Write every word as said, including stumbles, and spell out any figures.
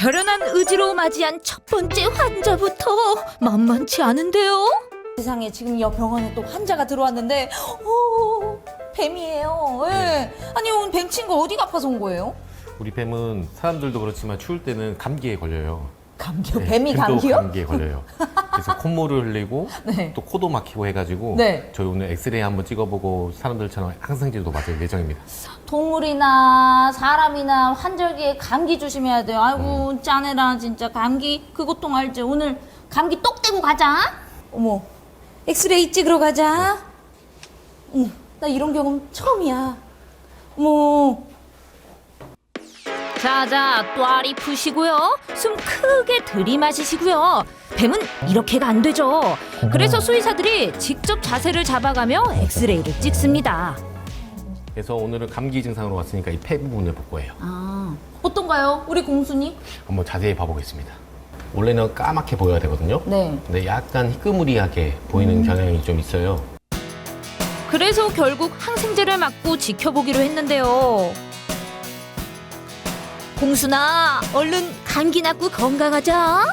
결연한 의지로 맞이한 첫 번째 환자부터 만만치 않은데요. 세상에 지금 이 병원에 또 환자가 들어왔는데 오, 뱀이에요. 예. 아니 오늘 뱀 친구 어디가 아파서 온 거예요? 우리 뱀은 사람들도 그렇지만 추울 때는 감기에 걸려요. 감기요? 네, 뱀이 뱀도 감기요? 감기에 걸려요. 그래서 콧물을 흘리고 네. 또 코도 막히고 해가지고 네. 저희 오늘 엑스레이 한번 찍어보고 사람들처럼 항생제도 맞을 예정입니다. 동물이나 사람이나 환절기에 감기 조심해야 돼요. 아이고 짜내라 진짜 감기 그 고통 알지? 오늘 감기 똑 떼고 가자. 어머 엑스레이 찍으러 가자. 어머 나 이런 경험 처음이야. 어머 자자, 또아리 푸시고요. 숨 크게 들이마시시고요. 뱀은 이렇게가 안 되죠. 그래서 수의사들이 직접 자세를 잡아가며 엑스레이를 찍습니다. 그래서 오늘은 감기 증상으로 왔으니까 이 폐 부분을 볼 거예요. 아 어떤가요? 우리 공수님? 한번 자세히 봐보겠습니다. 원래는 까맣게 보여야 되거든요. 네. 근데 약간 희끄무리하게 보이는 음. 경향이 좀 있어요. 그래서 결국 항생제를 맞고 지켜보기로 했는데요. 공순아, 얼른 감기 낫고 건강하자.